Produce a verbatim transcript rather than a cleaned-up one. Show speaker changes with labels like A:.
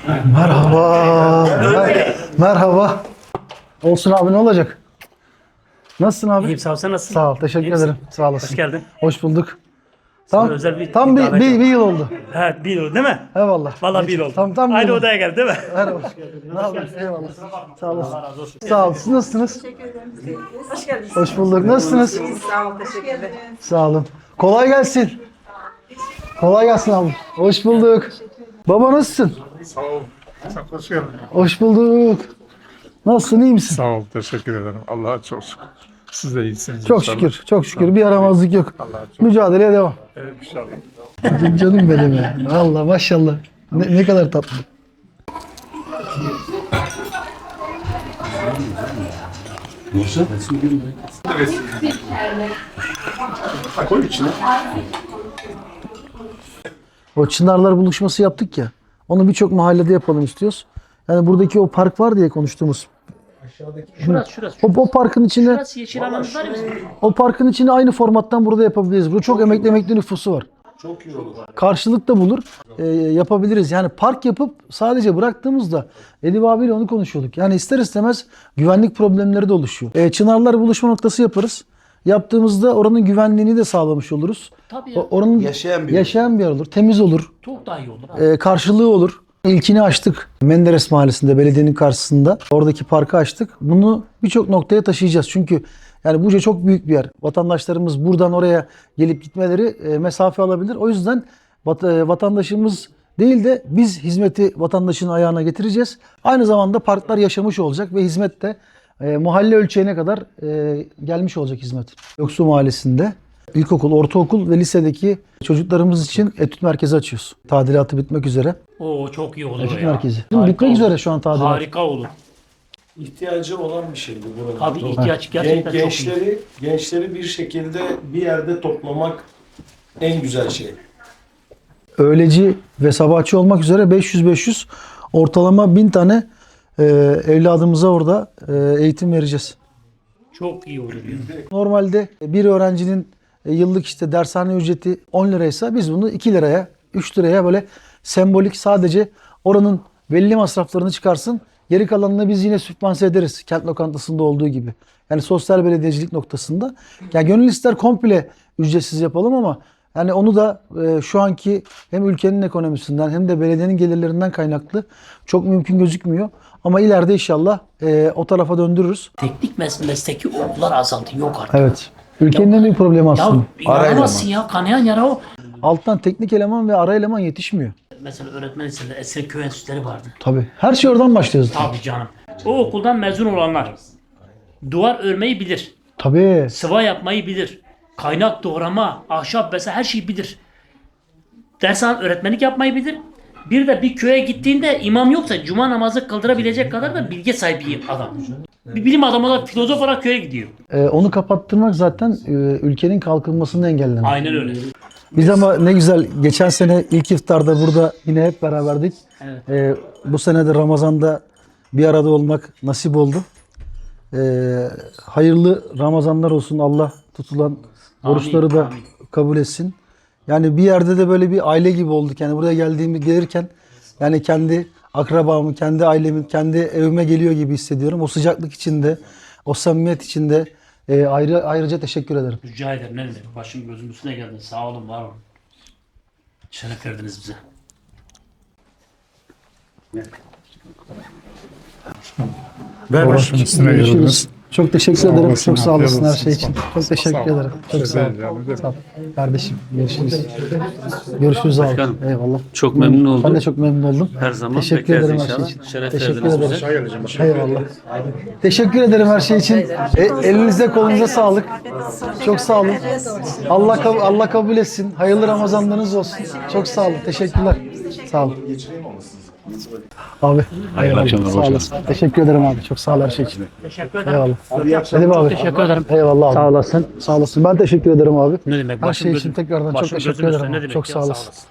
A: Merhaba. Mer- Merhaba. Olsun abi, ne olacak? Nasılsın abi?
B: İyiyim, sağ ol. Sen nasılsın?
A: Sağ ol, teşekkür
B: İyi misin?
A: ederim. Sağ olasın.
B: Hoş geldin.
A: Hoş bulduk. Tam,
B: özel bir
A: tam bir,
B: davet
A: bir,
B: yok.
A: bir yıl oldu.
B: Evet, bir yıl değil mi?
A: Eyvallah.
B: Vallahi bir yıl oldu.
A: Tam, tam bir
B: Aynı
A: yıl oldu.
B: odaya geldi değil mi?
A: Merhaba. Ne haber? Eyvallah. Sağ olasın. Sağ ol. Siz nasılsınız?
C: Hoş geldiniz.
A: Hoş bulduk. Nasılsınız?
C: Sağ ol, teşekkür ederim.
A: Sağ olun. Kolay gelsin. Kolay gelsin abi. Hoş bulduk. Baba nasılsın?
D: Sağ ol. Çok hoş geldin.
A: Hoş bulduk. Nasılsın? İyi misin?
D: Sağ ol. Teşekkür ederim. Allah'a çok şükür. Siz de iyisiniz.
A: Çok
D: inşallah.
A: şükür. Çok şükür. Bir yaramazlık yok.
D: Allah'a çok
A: Mücadeleye devam.
D: Evet, inşallah.
A: Canım benim ya. Allah maşallah. Ne, ne kadar tatlı.
D: Koy içine.
A: O Çınarlar buluşması yaptık ya. Onu birçok mahallede yapalım istiyoruz. Yani buradaki o park var diye konuştuğumuz.
B: Şurası, şurası.
A: O, o parkın içine,
B: Şurası yeşil alanımız var ya bizim.
A: o parkın içine aynı formattan burada yapabiliriz. Burada çok emekli emekli nüfusu var. Çok iyi olur. Karşılık da bulur. Ee, yapabiliriz. Yani park yapıp sadece bıraktığımızda Edip abiyle onu konuşuyorduk. Yani ister istemez güvenlik problemleri de oluşuyor. Ee, Çınarlar buluşma noktası yaparız. Yaptığımızda oranın güvenliğini de sağlamış oluruz.
B: Tabii ya.
A: O- Oranın
E: Yaşayan bir
A: yaşayan bir yer olur. Temiz olur.
B: Çok daha iyi olur abi.
A: Ee, karşılığı olur. İlkini açtık. Menderes Mahallesi'nde, belediyenin karşısında. Oradaki parkı açtık. Bunu birçok noktaya taşıyacağız. Çünkü yani Buca çok büyük bir yer. Vatandaşlarımız buradan oraya gelip gitmeleri e, mesafe alabilir. O yüzden vat- e, vatandaşımız değil de biz hizmeti vatandaşın ayağına getireceğiz. Aynı zamanda parklar yaşamış olacak ve hizmet de e, mahalle ölçeğine kadar e, gelmiş olacak hizmet. Yoksu Mahallesi'nde ilkokul, ortaokul ve lisedeki çocuklarımız için etüt merkezi açıyoruz. Tadilatı bitmek üzere.
B: Oo, çok iyi olur o
A: Etüt
B: ya.
A: merkezi.
B: Harika
A: Bitmek
B: olur.
A: üzere şu an tadilat.
B: Harika olur.
E: ihtiyacı olan bir şeydi burada.
B: Tabii ihtiyaç gerçekten
E: Gen-
B: çok iyi.
E: gençleri, gençleri bir şekilde bir yerde toplamak en güzel şey.
A: Öğleci ve sabahçı olmak üzere beş yüz beş yüz ortalama bin tane e, evladımıza orada e, eğitim vereceğiz.
B: Çok iyi olur ya.
A: Normalde bir öğrencinin e, yıllık işte dershane ücreti on liraysa biz bunu iki liraya, üç liraya böyle sembolik sadece oranın belli masraflarını çıkarsın. Geri kalanını biz yine sübvanse ederiz. Kent lokantasında olduğu gibi. Yani sosyal belediyecilik noktasında. Yani gönül ister komple ücretsiz yapalım ama yani onu da e, şu anki hem ülkenin ekonomisinden hem de belediyenin gelirlerinden kaynaklı çok mümkün gözükmüyor. Ama ileride inşallah e, o tarafa döndürürüz.
B: Teknik mes mesleki okullar azaldı. Yok artık.
A: Evet. Ülkenin en büyük problemi
B: Ya
A: aslında.
B: inanamazsın ya. Kanayan yara o.
A: Alttan teknik eleman ve ara eleman yetişmiyor.
B: Mesela öğretmen liselerinde Esra Köy Enstitüleri vardı.
A: Tabii. Her şey oradan başlıyor zaten.
B: Tabii canım. O okuldan mezun olanlar duvar örmeyi bilir.
A: Tabii.
B: Sıva yapmayı bilir. Kaynak doğrama, ahşap vesaire her şeyi bilir. Dershane öğretmenlik yapmayı bilir. Bir de bir köye gittiğinde imam yoksa cuma namazı kıldırabilecek kadar da bilgi sahibi adam. Bir bilim adamı olarak, filozof olarak köye gidiyor.
A: Ee, onu kapattırmak zaten e, ülkenin kalkınmasını engellemek.
B: Aynen öyle.
A: Biz ama ne güzel geçen sene ilk iftarda burada yine hep beraberdik.
B: Evet.
A: Ee, bu sene de Ramazan'da bir arada olmak nasip oldu. Ee, hayırlı Ramazanlar olsun. Allah tutulan oruçları da
B: amin.
A: kabul etsin. Yani bir yerde de böyle bir aile gibi olduk. Yani buraya geldiğimi gelirken yani kendi akrabamı, kendi ailemin, kendi evime geliyor gibi hissediyorum. O sıcaklık içinde, o samimiyet içinde e, ayrı ayrıca teşekkür ederim.
B: Rica ederim. Ne demek? Başım gözüm üstüne geldin. Sağ olun, var olun. Şeref verdiniz bize.
D: Ver başın üstüne
A: Görüşürüz.
D: yorulunuz.
A: Çok teşekkür
D: Sağ
A: ederim.
D: olasın,
A: Çok sağ
D: afiyet
A: olasın her
D: olsun.
A: şey için. Çok teşekkür
D: Sağ ol.
A: ederim. Çok
D: Şey
A: sağ ol.
D: değil ya, ne demek.
A: Sağ ol. Kardeşim görüşürüz. Görüşürüz abi.
F: Başkanım,
A: Eyvallah.
F: çok memnun oldum.
A: Ben de çok memnun oldum.
F: Her zaman
A: Teşekkür
F: bekleriz
A: ederim her şey
F: inşallah.
A: için.
F: Şeref
A: Teşekkür
F: verdiniz
A: ederim.
F: bize.
A: Eyvallah. Teşekkür ederim her şey için. E, elinize kolunuza sağlık. Çok sağ olun. Allah kab- Allah kabul etsin. Hayırlı Ramazanlarınız olsun. Çok sağ olun. Teşekkürler. Sağ olun. Abi. Hayırlı akşamlar. Sağ olasın. Teşekkür ederim abi. Çok sağ ol her şey için.
B: Teşekkür ederim.
A: Eyvallah. Edip abi.
B: Teşekkür ederim.
A: Eyvallah abi. Sağ olasın. Sağ olasın. Ben teşekkür ederim abi.
B: Ne demek?
A: Her
B: Başım
A: şey
B: gözüm-
A: için tekrardan çok
B: başım
A: teşekkür
B: gözüm
A: ederim.
B: üstüne. Ne
A: abi.
B: demek
A: Çok
B: ya?
A: sağ
B: Sağ
A: olasın.
B: olasın.